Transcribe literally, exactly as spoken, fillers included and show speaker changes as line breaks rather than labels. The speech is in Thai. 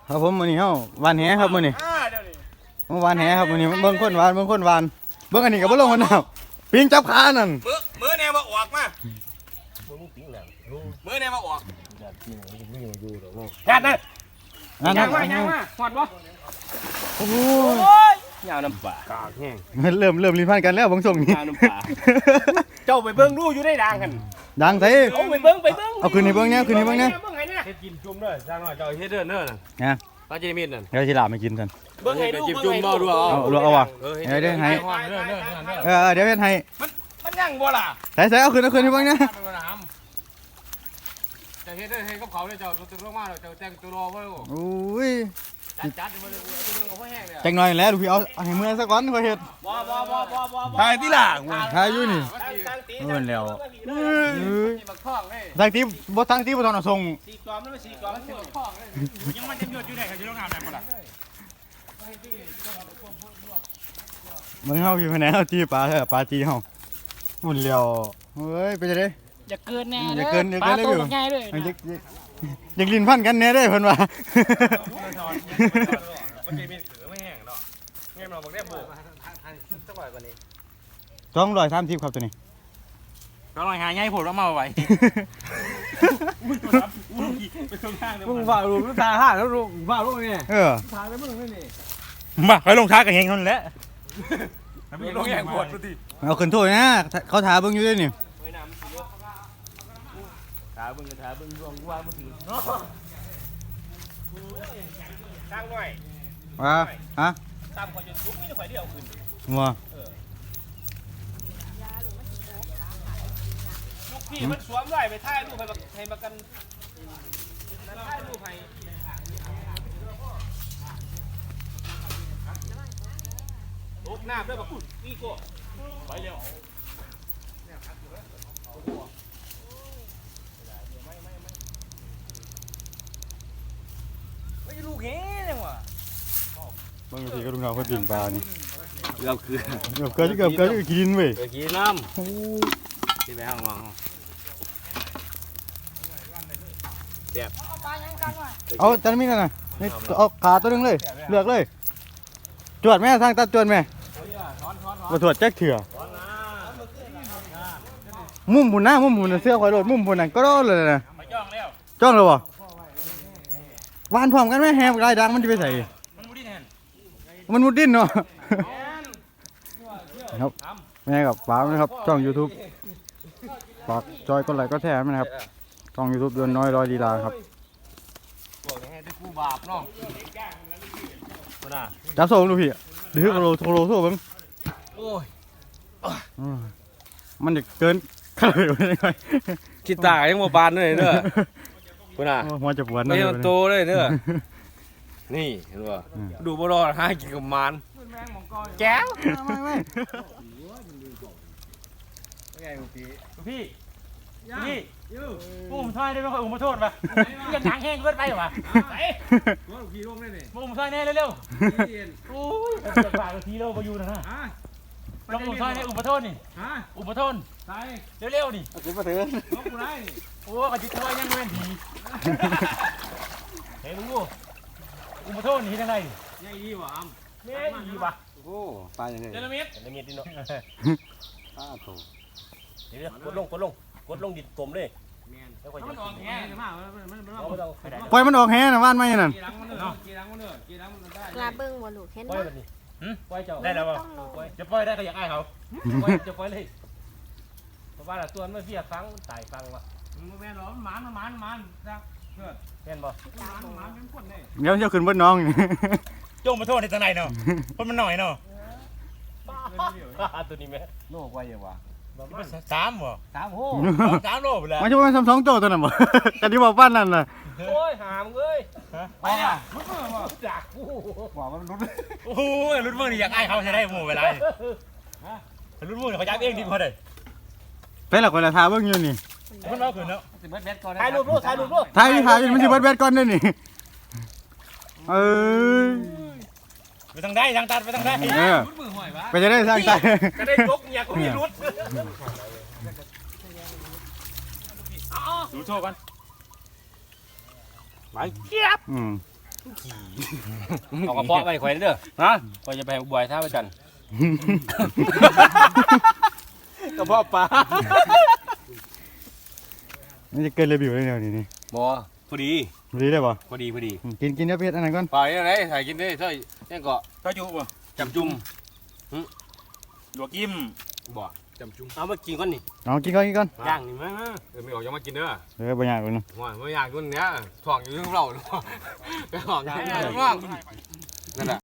ครับผมมื้อนี้เฮาวานแหครับมื้อนี้เมื่อวานแหครับมื้อนี้เบิ่งคนวานเบิ่งคนวานเบิ่งอันนี้ก็บ่ลงกันน้ำปิงจับขานั่น
มือมือแนวมาออกมามือแนวมาออกแฮดนะยางมายางมาหอดบ่
โอ้โห
ยาวน้ำปลากากแห้ง
เริ่มเริ่มลิ้นพันกันแล้วบางส่งนี้
ยาวน้ำปลาเจ้าไปเบิ่งดูอยู่ได้ดังกัน
ดังไส
เอาไปเบิ่งไปเบิ่ง
เอาคืนให้เบิ่งแน่คืนให้เบิ่งแน่
เฮ็ดกินจุ่มเด้อจ้าน้อยเจ้าเฮ็ดเด้อเด้อน่ะ
ฮะ
ปลาจีมิดนั่น
เดี๋ยวสิลาไม่กินซั่น
เบิ่งให้ดูจิ้มจุ่มบ่ดูเอา
เอาเอาว่ะเดี๋ยวเดี๋ยวให้เออเดี๋ยวเฮ็ดให้
มันมันยังบ่ล่ะ
ใส่ๆเอาคืนเอาคืนให้เบิ่งแน่
จะเฮ็ดได้เฮ็ดกับเขาเลยเจ้าตัวลงมาเจ้าแต่งตัวรอไว้
โอ้ย
จัดจัดมาเลยตัวนึงกับพ่อแห้งเนี่ย
จังหน่อยแล้วลูกพี่เอาให้มื้อซะก่อนค่อยเฮ็ด
บ่บ่บ่บ่บ่
ทายติล่ะทายอยู่นี่เอิ้นแล้วเอ้ยทางตีบ่ทางตีบ่ต้องเอาส่ง
สี่กอมแล้วสี่กอมมันสิบักคอกเลยยังมันจะหยุดอยู่ได้เขาจะต้องงานได้บ่ล่ะ
มึงเฮาพี่พะแนวจีปลาเถอะปลาจีเฮาหุ่นแล้วเฮ้ยเป็นจังได๋
อย่าเกินแน่
อย่าเกินอย่าเกินเลยอยู่
ง่ายเลย
อยากลิ้นพันกันแน่เด้เพิ่นว่า
มันจะมีขือไม่แห้งเนาะเงี้ยเราบอกได้โบกสักหน่อยกว่านี้
สองร้อยสามสิบครับตัวนี้
สองร้อยหาใหญ่โผล่แล้วมาไว้
มึงฝ่าลูกตาห่าแล้วลูกฝ่าลูกนี่
เออ
ทางแล้วมึงนี่นี่
มาไปลงท้ากันเองนั่นแหละ
มีลงแย่งขวดดูดิ
เอาขึ้นโทษนะเขาถาเบิ่งอยู่ด้วยนี่
ถาเบิ่งถาเบิ่งรวงว่ามือถือตั้งหน่อย
ว่าฮะ
ตามข่อยจนทุกไม่ได้ข่อยเดียวขึ้น
ว่า
ลูกพี่มันสวมไว้ไปถ่ายรูปให้ให้มากันถ่ายรูปให้ลูกหน้าด้วยแบบคุณนี่ก็ไปเร็วไม่ลูกเงี้ยจังวะ
บางทีก็ลุงเราเพิ่นปิ่งปลานี่
เกือบคือ
เกือบเกือบเกือบเกือบกินเว้ย
กินน้ำที่ไปห้างมองเสียบ
เอาจันมีกันนะนี่เอาขาตัวนึงเลยเลือกเลยจวดแม่ทางตัดจวดแม่มาตรวจแจ็คเถื่อมุมหุ่นหน้ามุมหุ่นเสื้อคอยโดดมุมหุ่นนั่นก็โดดเลยนะ
จ้องแล้ว
จ้องเลยวะวานพร้อมกันไหมแฮมลายดังมันจะไปใส่
มันมุดดิ้นแทน
มันมุดดิ้นเนาะครับแม่กับป้านะครับช่อง ยูทูบ ฝากจอยก็ไลค์ก็แชร์นะครับช่อง ยูทูบ ยนน้อยร้อยลีลาครับจับโซ่ดูพี่ดื้อโคโลโคโลโซ่บ้าง
โอ้ย
มันจะเกินข้าวเหนียวได้ไหม
คิดตายังโมบานเลยเนอะคุณอ่ะ
หัวจะปวด
ไม่ต้องโตเลยเนอะนี่เห็นป่ะดูบอลล์หากินกับมันแก้ว
ไม่ไม่
พี่พี่อุ้มท้ายได้ไหมอุ้มมาโทษป่ะยังหนังแห้งเกินไปหรอวะไอ้อุ้มท้ายแน่เร็วๆโอ้ยจะฝากทีเราไปอยู่นะฮะลองอุ้มท้ายเนี่ยอุ้มมาโทษนี่อุ้มมาโทษเร็วๆนี่
อุ้มมาเถอะ
โอ้กระจิตตัวยังไม่ดีเฮ้ยลุงกูอุ้มมาโทษนี่ยังไงยังดีวะอ้ำยังดีวะ
โอ้ตายยังไง
เจลเมียดเจลเมียดดิโน่
อ้าโถ
เดี๋ยวกดลงกดลงกดลงดิดกลมเลยมันออกแง่มาก
ปล่อยมันออกแห่นะว่านไม่นั่น
ลาเบิ้งบ่ลูกเห็นบ่
ปล่อยเจ้าได้แล้วป่ะจะปล่อยได้ก็อยากไอ้เขาจะปล่อยเลยเพราะว่าตัวมันเสียฟังตายฟังว่ะมันแม่นหรอมันมันมันมันนะเพื่อนแม่นบ่มันมันเป็นคนเลย
เดี๋ยวจะขึ้นบนน้อง
โจมมาโทษในทางไหนเนาะคนมันหน่อยเนาะตัวนี้แม่
โลกไว้ยังวะ
สามบ่
สามโห
สามโลไปแล้ว
มันจะเป็นสองโจตัวนั้นบ่กันที่บอกบ้านนั่นน่ะ
โอ้ยหามเอ้ยไปเนี่ยรุดมือบ่จากกู
บอกว่ามันรุด
โอ้ยรุดมือนี่อยากไอ้เขาใช้ได้หมู่เวลารุดมือเขาจับเองดีกว่าเลย
เป็นหลักเวลาทาเบิ้งอยู่นี่
มันเอาขึ้นแล้วถ่ายรูปรูปถ่ายรูปรูป
ถ่ายถ่ายมันสิเบิดแบดก่อนด้วยนี่เออ
ไปทางได้ทางตัดไปทางได้
ไปจะได้ทางตัด
จะได้ยกเนี่ยกูมีรุดดูโชว์กันไปเจี๊ยบเอากระเพาะไปข่อยเด้อฮะข่อยจะไปบ่อยท่าไปจัน
กระเพาะปลา
นี่จะเกินรีวิวเลยเดี๋ยวนี้นี่
บ่พอดี
ดีได้ป่ะ
พอดีพอดี
กินกินเดี๋ยวเพชรอันนั้นก่อน
ไปยังไงถ่ายกินได้ใช่ยังเกาะ
ก็อยู่บ่
จำจุ่ม
ลวกยิ้ม
บ่จำจุ่มเอามากินก่อนนี่
เอากินก่อนกินก่อน
ย่างนี่มั้ง
เออไม่ออกยังมากินเด้อ
เออบ่อยากเลยเนาะ
ว่าไม่อยากกินเนี้ยถ่องอยู่ที่เราถ่องอยู่ที่เรานั่นแหละ